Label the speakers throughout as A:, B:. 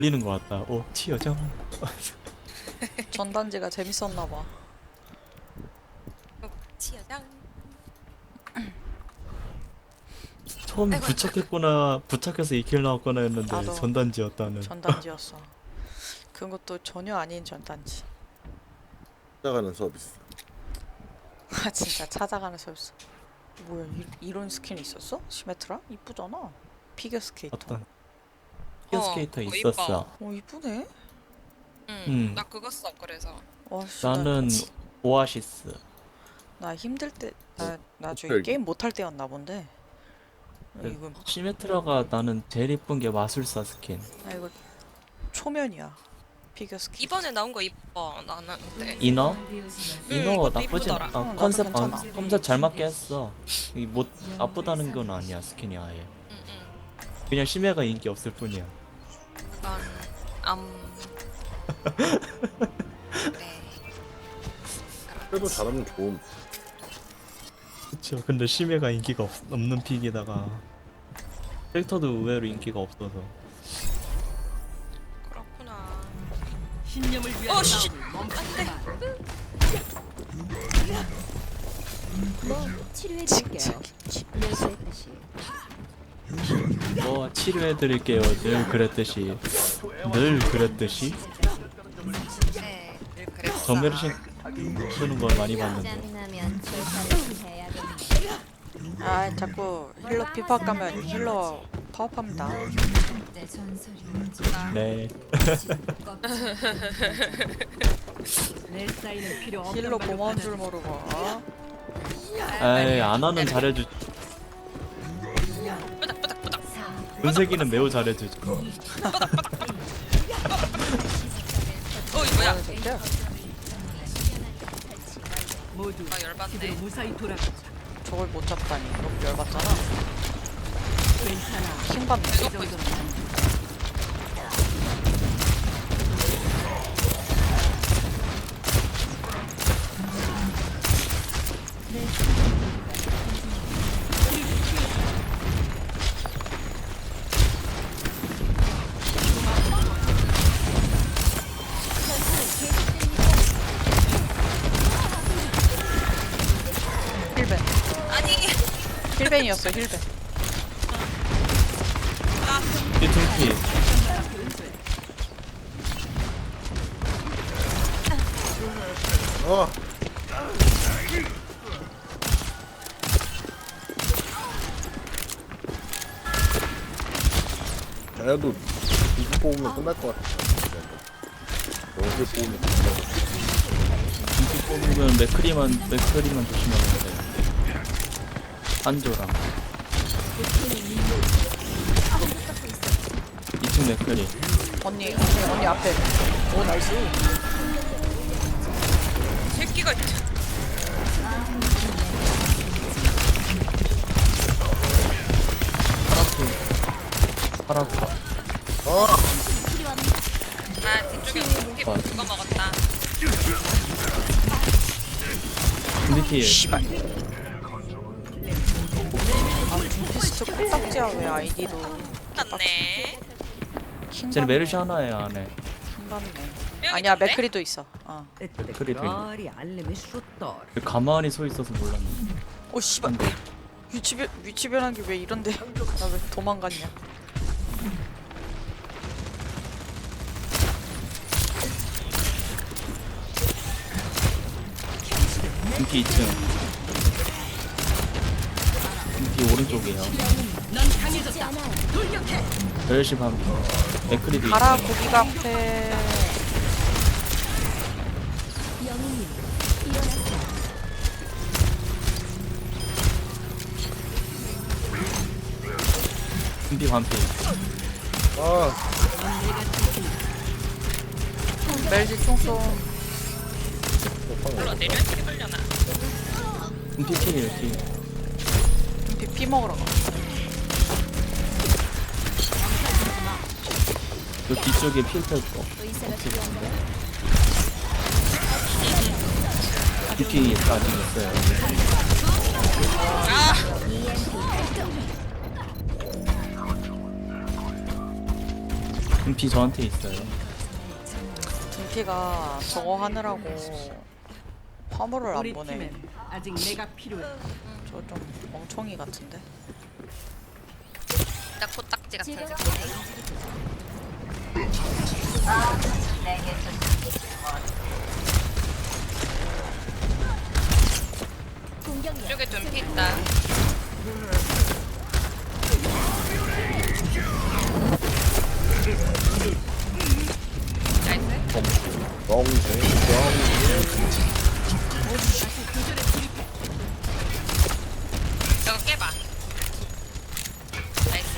A: 걸리는 것 같다. 오, 튀어져.
B: 전단지가 재밌었나봐.
C: 치여장.
A: 처음에 부착했거나 부착해서 2킬 나왔거나 했는데
B: 나도.
A: 전단지였다는.
B: 전단지였어. 그것도 전혀 아닌 전단지.
D: 찾아가는 서비스.
B: 아 진짜 찾아가는 서비스. 뭐야 이런 스킨 있었어? 시메트라? 이쁘잖아. 피겨 스케이터.
A: 어떤 피겨스케이터
C: 그거
A: 있었어.
B: 어 이쁘네.
C: 나 그거 써 그래서.
B: 와씨
A: 나는 오아시스.
B: 나 힘들 때 나 저기
D: 헬기.
B: 게임 못할 때였나 본데.
A: 네.
B: 이거
A: 시메트라가 나는 제일 이쁜 게 마술사 스킨.
B: 이거 초면이야. 피겨 스케이터.
C: 이번에 나온 거 이뻐 나는. 근데
A: 이너? 이너
C: 이것도
A: 나쁘진
C: 이쁘더라.
A: 않아.
B: 나도
A: 컨셉
B: 괜찮아.
A: 컨셉 잘 맞게 했어. 이뭐 나쁘다는 건 아니야 스킨이 아예. 그냥 심해가 인기 없을 뿐이야.
C: 난 네.
D: 그래도 잘하면 좋은.
A: 그쵸. 근데 심해가 인기가 없는 픽에다가 캐릭터도 의외로 인기가 없어서.
C: 그렇구나.
E: 신념을 위한
C: 씨.
E: 싸움을 멈춘다.
F: 뭐 치료해드릴게요. 연수했듯이.
A: 뭐 치료해드릴게요. 늘 그랬듯이. 늘 그랬듯이.
C: 네, 늘 그랬어.
A: 정메르신 쓰는 걸 많이 봤는데.
F: 짜증나면 절차를 해야겠네.
B: 아 자꾸 힐러 피파 가면 힐러 파업합니다.
F: 내 전설이
A: 네.
E: 내 사인은 필요 없는
B: 힐러
E: 말로
B: 고마운 줄
E: 받아들여.
B: 모르고.
A: 에이 안 하는 잘해주. 은색이는 매우 잘해주죠.
C: 이거야.
B: 뭐야 새끼야?
E: 모두
C: 아 열받네.
E: 집으로 무사히 돌아가자.
B: 저걸 못 잡다니 너무 열받잖아.
E: 괜찮아.
B: 킹받네.
E: 이 정도는
B: 힐벤.
C: 아니.
B: 힐벤이었어 힐벤.
A: 삐퉁피.
D: 어. 자야도 이거 뽑으면 끝날 것 같아. 너무 뽑으면 끝날 것 같아.
A: 인기 뽑으면 맥크리만 조심하면 돼. 한조랑 2층 맥크리.
B: 언니 앞에. 오 나이스.
C: 새끼가
A: 파라파.
C: 뒤쪽에 스킵 그거 먹었다.
A: 근데
B: 씨발. 아 둠피스트 코딱지야 왜 아이디도
C: 맞네.
A: 쟤는 메르시 하나에 안에.
B: 킹받네. 아니야 맥크리도 있어. 어.
A: 맥크리도 있네.
E: 별이 알림이 쏟더.
A: 가만히 서 있어서 몰랐네.
B: 오 씨발. 위치 변한 게 왜 이런데? 나 왜 도망갔냐?
A: 인기 2층. 인기 오른쪽이에요.
E: 넌 강해졌다.
A: 메르시 반. 맥크리도
B: 가라
A: 있고.
B: 고기가 앞에.
F: 영웅님 일어나세요.
A: 인기 반피.
D: 아,
B: 멜지 총쏘.
C: 물론 내려야 되려나.
A: 인기 킬이에요 킬.
B: 피 먹으러 가.
A: 그 뒤쪽에 필터 있고.
F: 의사가 필요한가요?
A: DP 아직 있어요. 금피 저한테 있어요.
B: 등피가 저거 하느라고 화물을 안
E: 우리
B: 보내.
E: 팀엔 아직 내가 필요해.
B: 저 좀 멍청이 같은데.
C: 나 코딱지 같은
F: 즐거운
C: 새끼.
F: 공격력
C: 이쪽에 좀 있다. 나이스.
D: 덩쟁
C: 저거 깨봐. 나이스.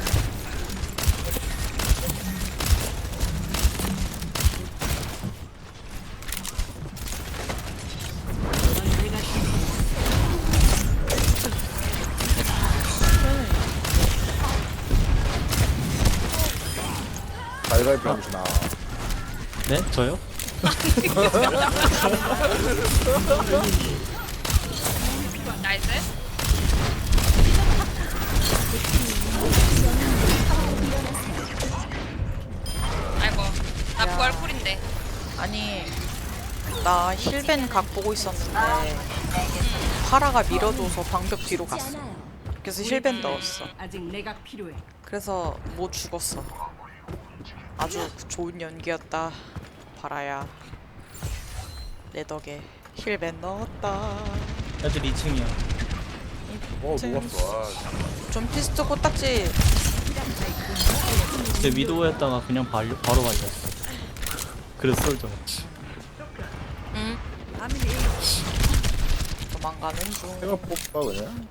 E: 넌 내가
D: 갈갈 병신아.
A: 네? 저요?
C: 나이스. 아이고, 나
B: 야.
C: 부활 쿨인데.
B: 아니 나 힐벤 각 보고 있었는데 파라가 밀어줘서 방벽 뒤로
F: 죽지
B: 갔어.
F: 않아요.
B: 그래서 힐벤 넣었어.
E: 아직 내가 필요해.
B: 그래서 못 죽었어. 아주 좋은 연기였다. 파라야. 내 덕에 힐벤 넣었다.
A: 애들 2층이야.
D: 녹았어.
B: 좀 피스트 코딱지.
A: 제 위도우였다가 그냥 바로 발렸어. 그래서 쏠죠.
B: 응. 도망가는 중.
D: 생각 뽑아 그냥.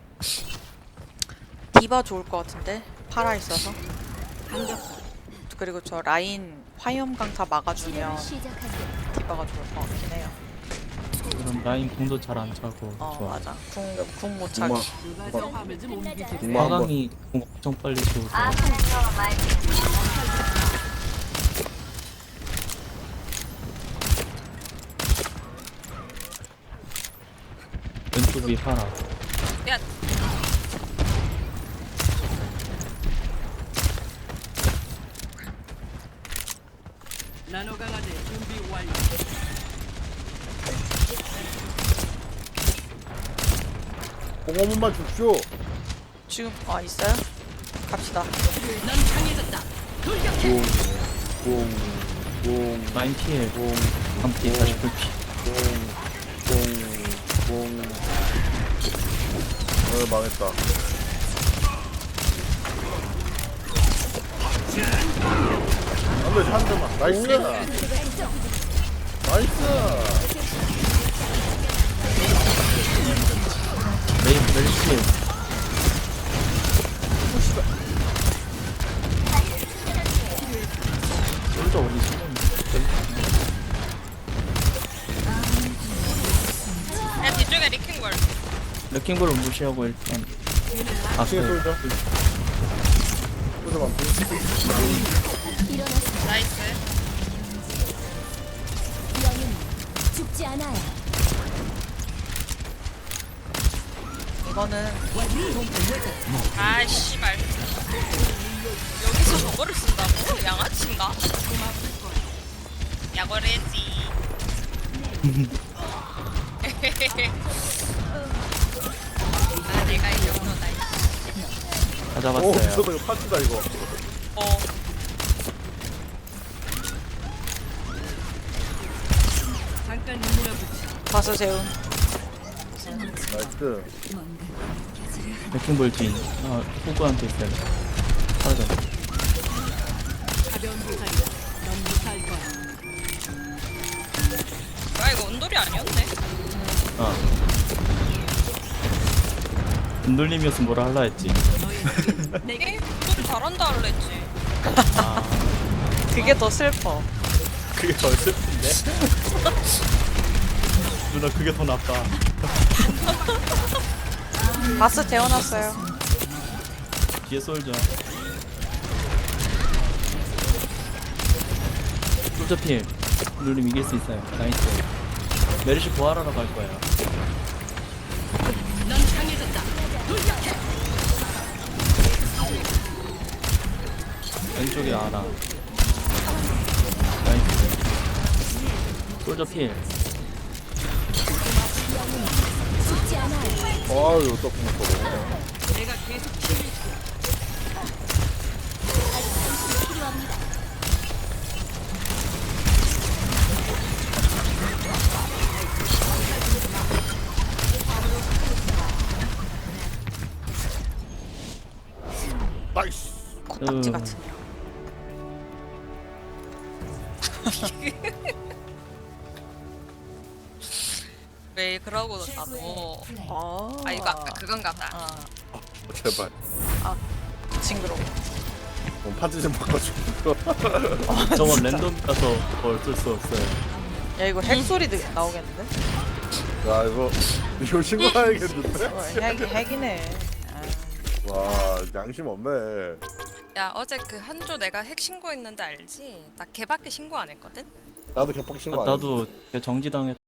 B: 디바 좋을 것 같은데 파라 있어서. 그리고 저 라인 화염 강타 막아주면
F: 시작하세요.
B: 디바가 좋을 것 같긴 해요.
A: 그럼 라인 공도 잘 안 차고.
B: 어
A: 좋아.
B: 맞아. 궁 못 차기.
D: 정말
E: 누가 저 화물 좀 옮기지.
D: 정말 한번
A: 화강이 공 엄청 빨리 쏘고. 왼쪽 위 파라.
C: 야,
E: 나노 강화제 준비 완료.
D: 뽕어문만 줍쇼.
B: 지금 있어요? 갑시다.
E: 넌 강해졌다.
D: 뽕
A: 라인 피해. 한 피, 40불 피.
D: 뽕. 망했다. 안돼 한 대만. 나이스. 나이스.
A: 멜시. 솔저 어디 있어?
C: 야 뒤쪽에 리킹볼.
A: 레킹볼을 무시하고 일단.
D: 층에 쏠자. 쏠자 만피.
F: 일어나세요.
C: 나이스.
F: 영웅 죽지 않아요.
B: 이거는
C: 아 씨발. 여기서 저거를 쓴다고? 양아치인가? 야거래지. 아 내가 이 정도다.
A: 다
D: 오
A: 잡았어요.
D: 미쳤다 이거 파츠다 이거.
C: 어.
E: 잠깐 밀어붙여.
B: 바스 재운.
D: 나이스.
A: 레킹볼 뒤. 호구한테 있어요. 사라져.
E: 가벼운 부상이야. 넌 못할 거야.
C: 아 이거 온돌이 아니었네.
A: 눈돌림이었으면 뭐라 할라 했지.
C: 게임 온돌이 잘한다 할래 했지.
B: 그게 더 슬퍼.
A: 그게 더 슬픈데? 누나 그게 더 나빠.
B: 바스 재워놨어요.
A: 뒤에 솔져. 솔져 필. 눈돌림 이길 수 있어요. 나이스. 메르시 부활하러 갈 거예요.
E: 넌 강해졌다.
A: 왼쪽에 하나. 나이스. 솔저 필.
F: 죽지 않아요.
D: 아유 또 궁금해.
E: 내가 계속 치료해줄게.
F: 필요합니다.
D: 나이스.
B: 코딱지
A: 으.
B: 같은 년.
C: 왜 그러고 나도. 아 이거 아까 그건가 보다.
B: 아,
D: 제발.
B: 징그러워.
D: 판지 좀 바꿔주고.
A: 저건 랜덤이라서 어쩔 수 없어요.
B: 야 이거 핵 소리 나오겠는데?
D: 야 이거 신고해야겠는데?
B: 핵이네. 아,
D: 와 양심 없네.
C: 야 어제 그 한조 내가 핵 신고했는데 알지? 나 걔밖에 신고 안 했거든?
D: 나도 격박 신고 안
A: 나도 정지당했.